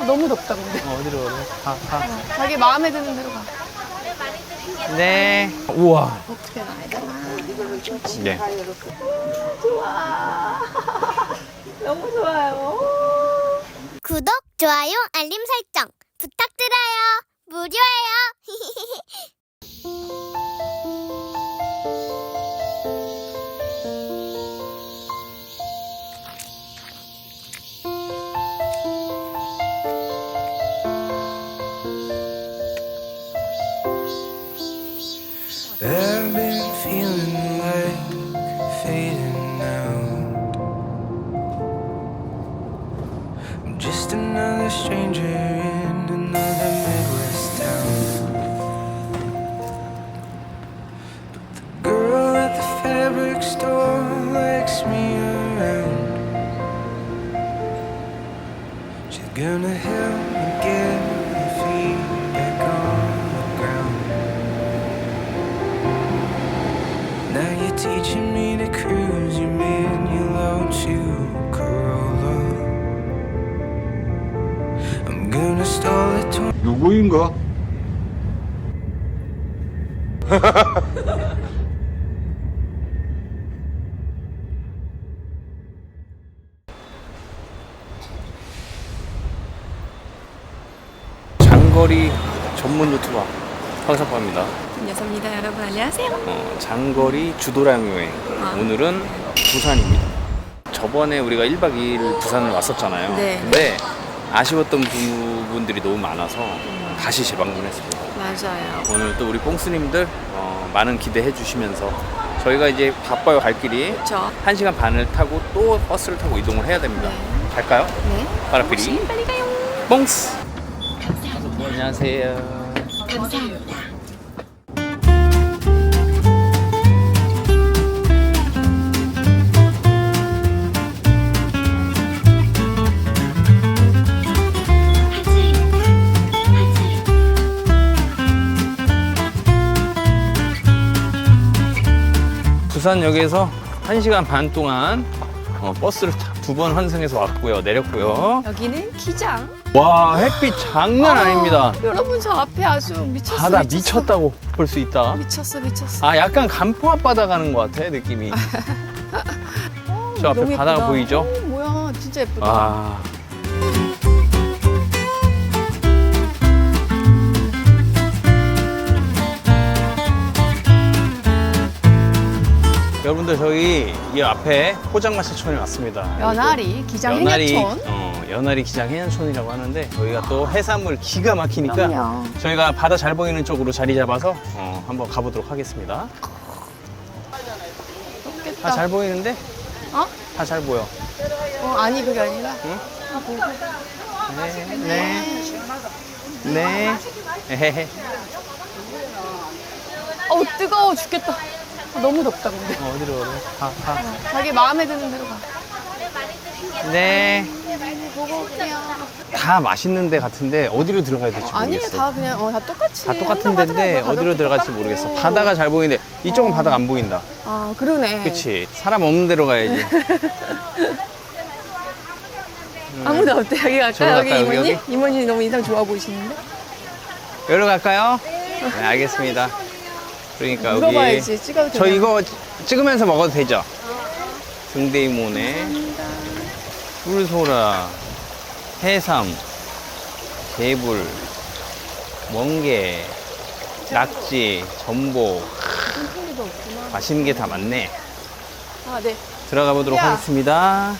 너무 덥다 근데. 어디로 그래? 가. 자기 마음에 드는 대로 가. 네. 우와. 어떻게 나야 되나? 네. 좋아. 너무 좋아요. 구독, 좋아요, 알림 설정 부탁드려요. 무료예요. I've been feeling like fading out. I'm just another stranger in another Midwest town. But the girl at the fabric store likes me around. She's gonna help me get my feet back on the ground. Now you're teaching me to cruise your manual to Corolla. I'm gonna stall it to 누구인가? 장거리 전문 유튜버 황석파입니다. 안녕하십니까 여러분, 안녕하세요. 장거리 주도량 여행. 오늘은 부산입니다. 저번에 우리가 1박 2일 부산을 왔었잖아요. 네. 근데 아쉬웠던 부분들이 너무 많아서 다시 재방문했습니다. 맞아요. 오늘 또 우리 뽕스님들 많은 기대해 주시면서 저희가 이제 바빠요, 갈 길이. 그렇죠. 1시간 반을 타고 또 버스를 타고 이동을 해야 됩니다. 갈까요? 네. 빠라피리 빨리 가요. 뽕스. 안녕하세요. 감사합니다. 부산역에서 1시간 반 동안 버스를 2번 환승해서 왔고요. 내렸고요. 여기는 기장. 와, 햇빛 장난 아닙니다. 여러분 저 앞에 아주 미쳤어. 바다 미쳤다고 볼 수 있다. 미쳤어. 아, 약간 간포 앞바다 가는 것 같아, 느낌이. 저 앞에 너무 바다가 예쁘다. 보이죠? 오, 뭐야, 진짜 예쁘다. 아. 여러분들, 저희 이 앞에 포장마차촌에 왔습니다. 연아리 기장 연아리, 해녀촌. 연아리 기장 해녀촌이라고 하는데 저희가 또 해산물 기가 막히니까 그럼요. 저희가 바다 잘 보이는 쪽으로 자리 잡아서 한번 가보도록 하겠습니다. 좋겠다. 다 잘 보이는데? 어? 다 잘 보여. 아니 그게 아니라. 응? 아, 보고. 네. 네. 에헤헤. 뜨거워 죽겠다. 너무 덥다 근데. 어디로 그래? 가. 자기 마음에 드는 대로 가. 네. 보고 올게요. 다 맛있는 데 같은데 어디로 들어가야 될지 아니에요, 모르겠어. 다 그냥 다 똑같이. 다 똑같은 한다고 데인데 하더라고요. 어디로 가격도 들어갈지 똑같고. 모르겠어. 바다가 잘 보이는데 이쪽은 바다가 안 보인다. 아 그러네. 그치? 사람 없는 데로 가야지. 아무도 없대. 여기 갈까? 저로 여기 갈까요, 이모님? 여기? 이모님 너무 인상 좋아 보이시는데? 여기로 갈까요? 네, 알겠습니다. 그러니까 여기 물어봐야지. 찍어도 저 되나? 이거 찍으면서 먹어도 되죠? 등대이모네, 꿀소라, 해삼, 개불, 멍게, 낙지, 전복. 팬리가 없구나. 맛있는 게 다 많네. 아 네. 들어가 보도록 야. 하겠습니다.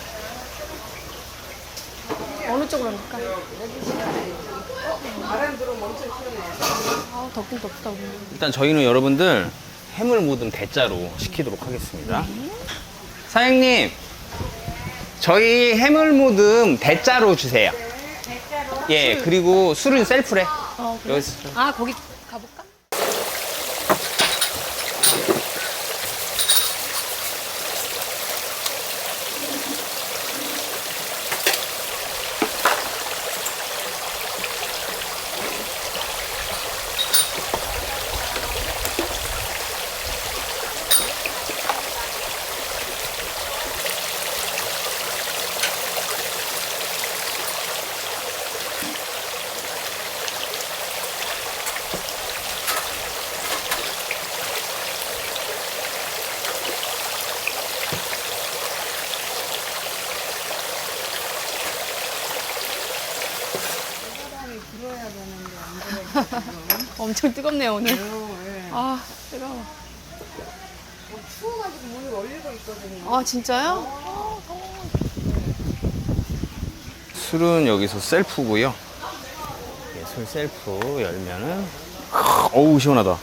어느 쪽으로 갈까? 아 덥긴 덥다 오늘. 일단 저희는 여러분들 해물 모듬 대짜로 시키도록 하겠습니다. 사장님, 저희 해물 모듬 대짜로 주세요. 예, 그리고 술은 셀프래. 그래? 여기서 아 거기 가볼까? 엄청 뜨겁네요 오늘. 아 뜨거워. 추워가지고 문을 올리고 있거든요. 아 진짜요? 술은 여기서 셀프고요. 예, 술 셀프 열면은 어우 시원하다.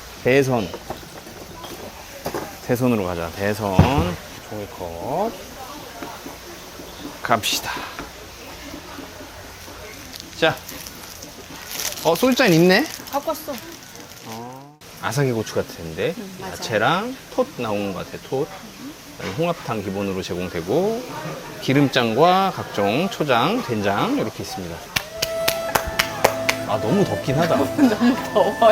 대선으로 가자. 대선 종이컵 갑시다. 자, 소주잔 있네. 갖고 왔어. 아삭이 고추 같은데 맞아요. 야채랑 톳 나온 것 같아. 톳. 그다음에 홍합탕 기본으로 제공되고 기름장과 각종 초장, 된장 이렇게 있습니다. 아 너무 덥긴 하다. 더워요.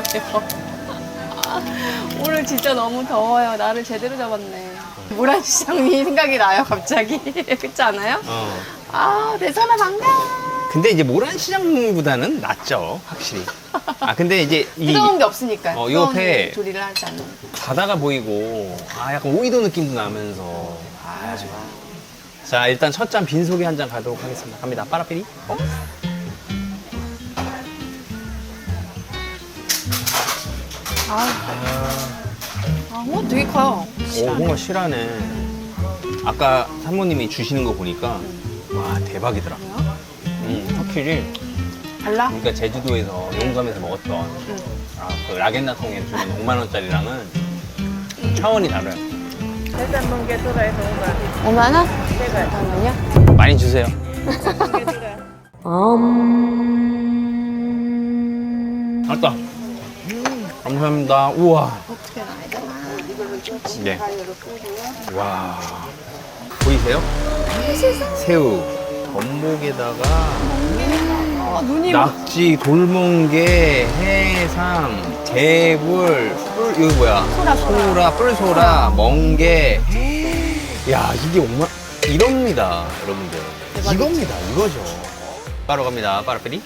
오늘 진짜 너무 더워요. 나를 제대로 잡았네. 모란시장이 생각이 나요 갑자기. 그렇지 않아요? 아 대선아 반가워. 근데 이제 모란시장보다는 낫죠, 확실히. 아 근데 이제 이 뜨거운 게 없으니까요. 이 뜨거운 옆에 조리를 하지 않는. 바다가 보이고 약간 오이도 느낌도 나면서 좋아. 자 일단 첫 잔 빈속에 한 잔 가도록 하겠습니다. 갑니다. 빠라삐리. 홍어 되게 커요. 오 홍어 실하네. 아까 사모님이 주시는 거 보니까 와 대박이더라. 확실히 달라? 우리가 제주도에서 용감에서 먹었던 그 라겐나 통에 주는 5만 원짜리랑은 차원이 달라요. 5만 원? 잠깐만요. 많이 주세요. 알다. 감사합니다. 우와. 어떻게 나야 되나? 네. 와. 보이세요? 새우. 전복에다가 눈이 막 낙지, 돌멍게, 해삼, 개불, 이거 뭐야? 소라, 뿔소라, 멍게. 야, 이게 정말 이럽니다, 여러분들. 이겁니다, 이거죠. 바로 갑니다, 빠라삐리.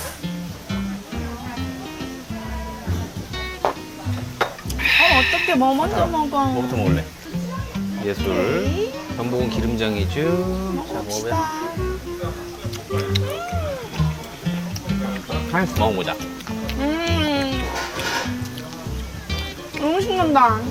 어떻게 뭐 먼저 먹어? 뭐부터 먹을래? 예술. 전복은 기름장이죠. 자, 먹어보자. 하나씩 먹어보자. 너무 신난다.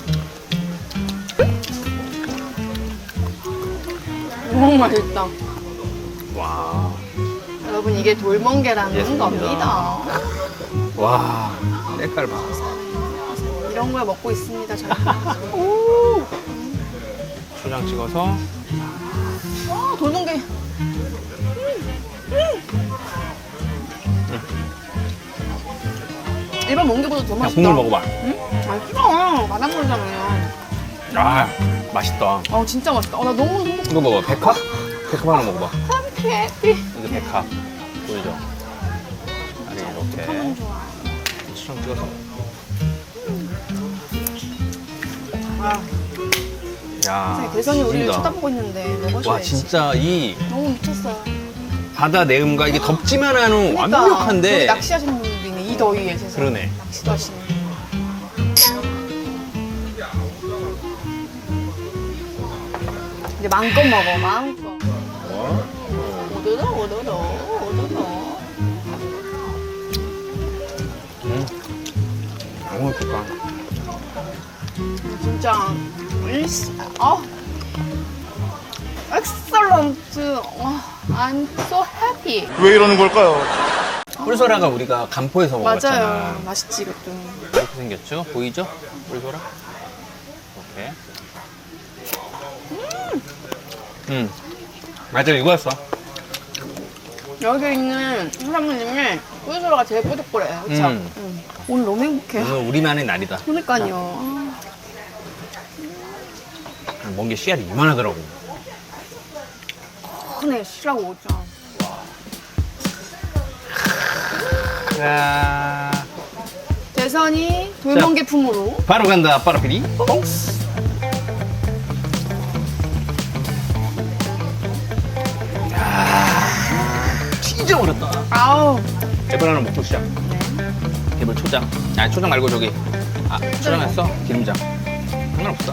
너무 맛있다. 와. 여러분 이게 돌멍게라는 예술입니다. 겁니다. 와. 색깔 봐. 이런 걸 먹고 있습니다 저희가. 오. 초장 찍어서. 돌멍게. 일반 멍게보다 더 그냥 맛있다. 국물 먹어봐. 맛있어. 바닷물이잖아요. 아, 맛있다. 진짜 맛있다. 나 너무 행복해. 이거 먹어. 백합? 백합 하나 먹어봐. 해피. 이게 백합. 보이죠? 아니, 이렇게. 초장 찍어서. 야, 대선이 우리를 죽인다. 쳐다보고 있는데 먹어줘야지. 와, 진짜 이 너무 미쳤어요. 바다 내음과 이게 덥지만 않은 그러니까 완벽한데. 저기 낚시하시는 분들이네 이 더위에 세상에. 그러네. 낚시도 하시네. 이제 마음껏 먹어 마음껏. 오도도. 너무 맛있다. 진짜 엑셀런트. I'm so happy. 왜 이러는 걸까요? 뿔소라가 우리가 간포에서 먹었잖아. 맞아요. 맛있지 이것도. 이렇게 생겼죠? 보이죠? 뿔소라? 이렇게. 맞아, 이거였어. 여기 있는 사장님이 꿀소라가 제일 뽀득뽀래요. 그쵸? 오늘 너무 행복해. 오늘 우리만의 날이다. 그러니까요. 멍게 씨알이 이만하더라고. 큰애 쉬라고 오죠. 야, 대선이 돌멍게품으로. 바로 간다, 빠라피리. 진짜 어렵다. 아우. 개불 하나 먹고 시작. 개불 초장. 아니, 초장 말고 저기. 초장 했어? 기름장. 상관없어.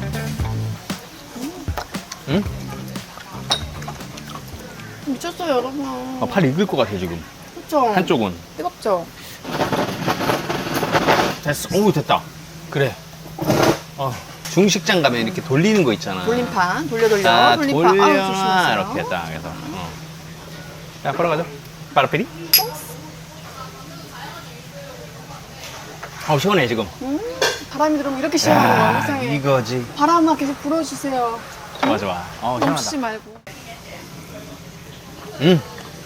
응? 미쳤어요, 여러분. 팔 익을 것 같아, 지금. 그쵸? 한쪽은. 뜨겁죠? 됐어. 오, 됐다. 그래. 중식장 가면 이렇게 돌리는 거 있잖아. 돌림판. 돌려. 돌림판. 자, 돌림판. 아우, 돌려놔. 조심하세요. 이렇게 딱 해서. 자, 걸어가죠. 빠르피리. 시원해, 지금. 바람이 들어오면 이렇게 시원한 거야, 세상에. 이거지. 바람아 계속 불어주세요. 좋아, 좋아. 멈추지 시원하다. 말고. 음.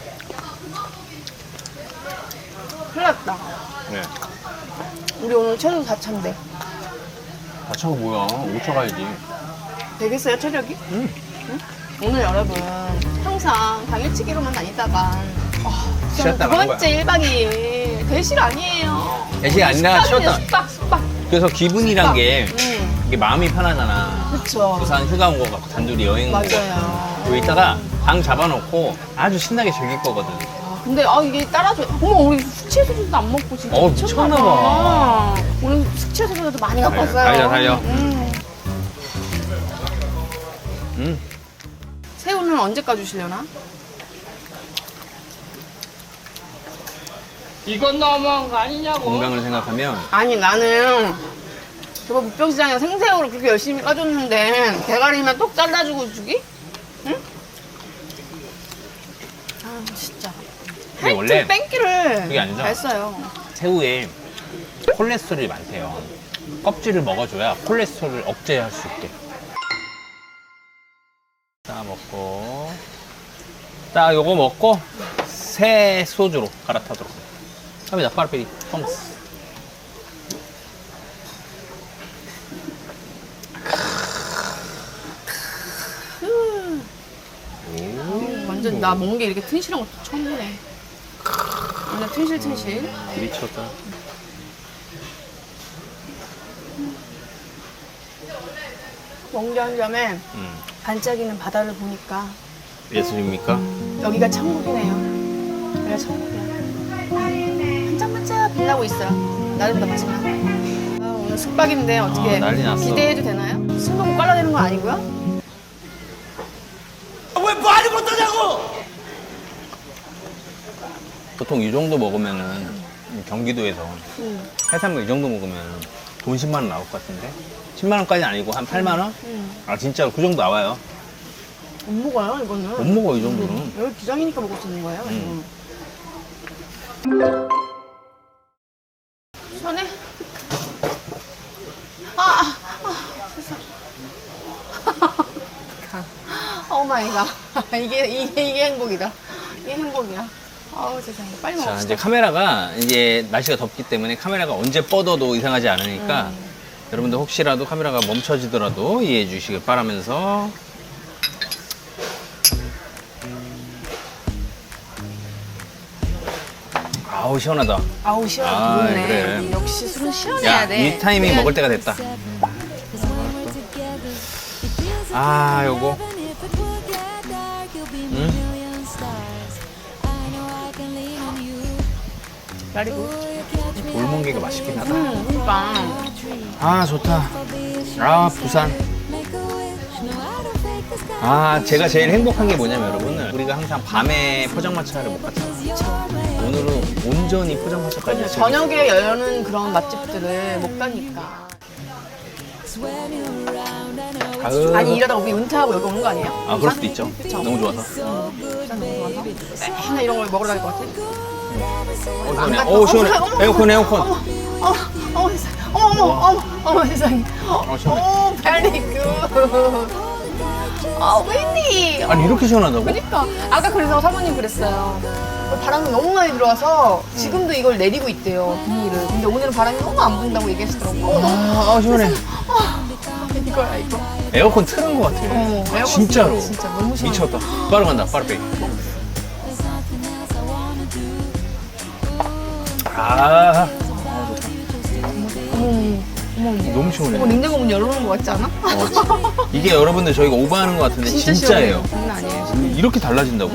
큰일 났다. 네. 우리 오늘 최소 4차인데. 다쳐가 뭐야. 5차 가야지. 되겠어요, 체력이? 응. 오늘 여러분, 항상 당일치기로만 다니다가, 쉬었다 두 가는 번째 1박 2일. 대실 아니에요. 대실 아니라 숙박이에요, 쉬었다. 숙박. 그래서 기분이란 게 이게 마음이 편하잖아. 그쵸. 부산 휴가 온 거 같고 단둘이 여행 온 거. 맞아요. 여기 있다가 방 잡아놓고 아주 신나게 즐길 거거든. 근데 이게 따라줘. 어머, 우리 숙취해소제도 안 먹고 진짜 미쳤나 봐. 오늘 숙취해소제도 많이 갖고 왔어요. 달려. 새우는 언제까지 주시려나? 이건 너무한 거 아니냐고. 건강을 생각하면 아니 나는 저번 북평시장에 생새우를 그렇게 열심히 까줬는데 대가리만 똑 잘라주고 주기? 응? 아 진짜 근데 원래 하여튼 뺑기를 그게 아니죠? 잘 써요. 새우에 콜레스테롤이 많대요. 껍질을 먹어줘야 콜레스테롤을 억제할 수 있대. 딱 먹고 딱 요거 먹고 새 소주로 갈아타도록 합니다. 파르페리 톰스. 완전 나 먹는 게 이렇게 튼실한 거 처음 보네. 완전 튼실. 미쳤다. 먹는 한 점에 반짝이는 바다를 보니까 예술입니까? 여기가 천국이네요. 여기가 천국이야. 반짝반짝 빛나고 있어요. 나름답지만. 오늘 숙박인데 어떻게 난리 났어. 기대해도 되나요? 술 먹고 깔라내는 건 아니고요? 보통 이 정도 먹으면은 경기도에서 해산물 이 정도 먹으면 돈 10만 원 나올 것 같은데 10만 원까지는 아니고 한 8만 원? 아 진짜 그 정도 나와요. 못 먹어요 이거는. 못 먹어 이 정도는. 여기 기장이니까 먹을 수 있는 거예요. 시원해? 세상. 오 마이 갓. 이게 행복이다. 이게 행복이야. 아우 세상에. 빨리 자 먹읍시다. 이제 카메라가 이제 날씨가 덥기 때문에 카메라가 언제 뻗어도 이상하지 않으니까 여러분들 혹시라도 카메라가 멈춰지더라도 이해해 주시길 바라면서 아우 시원하다. 아우 시원해. 좋네. 그래. 역시 술은 시원해야 야, 돼. 이 타이밍 먹을 때가 됐다. 아, 요거. 그리고 돌멍게가 맛있긴 하다. 그러니까 아, 좋다. 아, 부산. 아, 제가 제일 행복한 게 뭐냐면 여러분, 우리가 항상 밤에 포장마차를 못 갔잖아. 오늘은 온전히 포장마차까지 즐길 수 저녁에 여는 그런 맛집들을 못 가니까. 아유. 아니 이러다가 우리 은퇴하고 여기 오는 거 아니에요? 아, 그럴 수도 있죠. 그쵸? 너무 좋아서. 부산 너무 좋아서 맨날 이런 걸 먹으러 다닐 것 같아. 시원해. 오, 시원해. 에어컨, 에어컨. 어머 세상에. 어머 세상에. 시원해. 오 베리 굿. 아 웬디. 아니, 이렇게 시원하다고? 그러니까 아까 그래서 사모님 그랬어요. 바람이 너무 많이 들어와서 지금도 이걸 내리고 있대요 비닐을. 근데 오늘은 바람이 너무 안 분다고 얘기하시더라고요. 아, 시원해. 이거야 이거. 에어컨 틀은 것 같아. 에어컨 진짜로. 진짜 너무 시원해. 미쳤다. 빠르 간다, 빠르 빼. 아, 너무 시원해. 이거 냉장고 문 열어놓은 거 같지 않아? 이게 여러분들 저희가 오버하는 것 같은데 진짜예요. 장난 아니에요. 이렇게 달라진다고?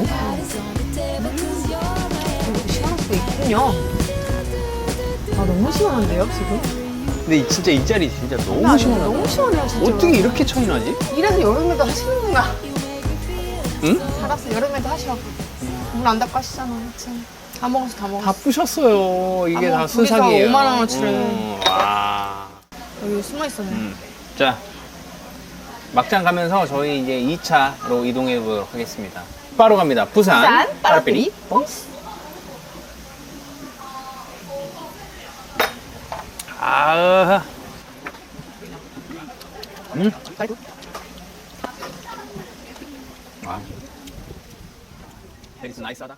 시원할 수도 있군요. 아 너무 시원한데요 지금? 근데 진짜 이 자리 진짜 너무 아니, 시원하다. 너무 시원해요 진짜. 어떻게 이렇게 차이 나지? 이래서 여름에도 하시는구나. 응? 알았어 여름에도 하셔. 문 안 닫고 하시잖아 참. 다 먹었어, 다 먹었어. 다 부셨어요. 이게 다 다 둘이서 순삭이에요. 5만 원어치를. 와. 여기 숨어 있었네. 자, 막장 가면서 저희 이제 2차로 이동해 보도록 하겠습니다. 바로 갑니다. 부산 빠라삐리 뽕스. 아, 아, 여기서 나이스하다.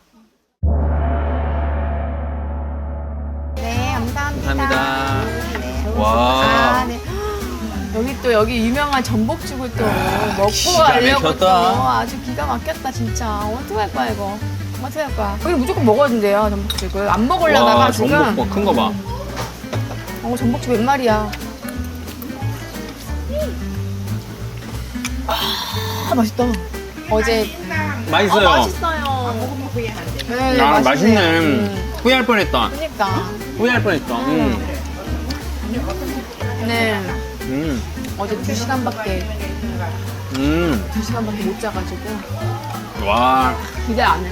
네, 감사합니다. 감사합니다. 네. 와. 아, 네. 여기 또 여기 유명한 전복죽을 또 먹고 기가 가려고 막혔다. 또 아주 기가 막혔다 진짜. 어떻게 할 거야 이거? 어떻게 할 거야? 여기 무조건 먹어야 된대요 전복죽을. 안 먹으려다가 와, 지금. 전복 큰 거 봐. 전복죽 몇 마리야? 아 맛있다. 어제 맛있어요. 맛있어요. 먹으면 후회한대. 네, 아, 맛있네. 맛있네요. 후회할 뻔했다. 그러니까. 후회할 뻔했다. 네. 음. 어제 2시간밖에 못 자가지고 와. 기대 안 해.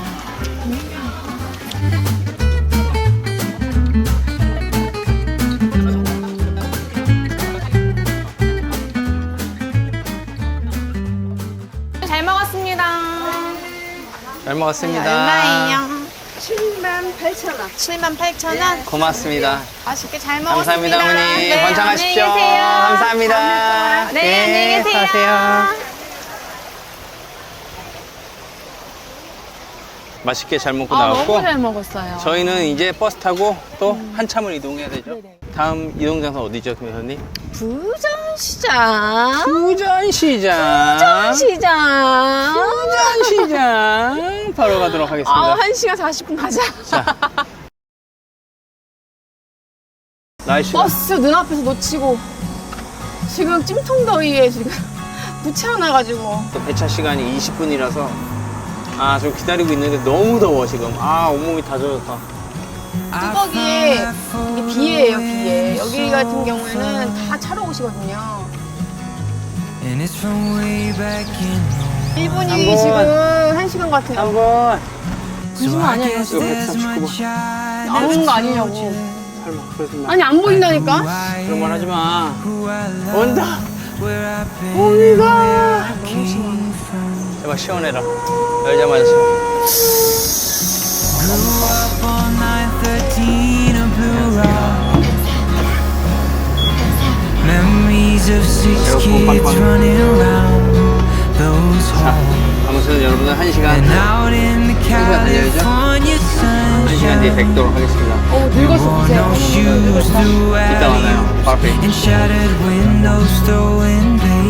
잘 먹었습니다. 잘 먹었습니다. 얼마예요? 78,000원. 78,000원? 고맙습니다. 맛있게 잘 먹었습니다. 감사합니다, 어머니. 네, 번창하십시오. 안녕히 계세요. 감사합니다. 네, 안녕히 계세요. 가세요. 맛있게 잘 먹고 나왔고 너무 잘 먹었어요. 저희는 이제 버스 타고 또 한참을 이동해야 되죠. 네네. 다음 이동 장소 어디죠, 김혜선님? 부전시장. 부전시장. 부전시장. 부전시장. 바로 가도록 하겠습니다. 아, 1시간 40분 가자. 자. 날씨. 버스 눈앞에서 놓치고 지금 찜통더위에 지금 부채어나가지고 또 배차 시간이 20분이라서 아, 저 기다리고 있는데 너무 더워 지금. 아, 온몸이 다 젖었다. 뚜벅이에 이게 비예요, 비에. 여기 같은 경우에는 다 차로 오시거든요. And it's from way back in 1분이 한번. 지금 1시간 같아요. 한번 거짓말 아니에요, 이거 지금? 139번. 안 오는 거 아니냐고. 설마 그러지 마. 아니, 안 보인다니까? 그런 말 하지 마. who I love, 온다. where I've been, 오니가. came from. 제발 시원해라. 열자마자 시원. Grew up on 913 of Blue Rock. Memories of six kids running around those halls. 아무튼 여러분은 1시간 And out in the California 뒤에 sunshine. 뵙도록 하겠습니다. 늙었어, Wore 보세요. no shoes through 이따 만나요. alley 바로 앞에. and shattered windows throwing baby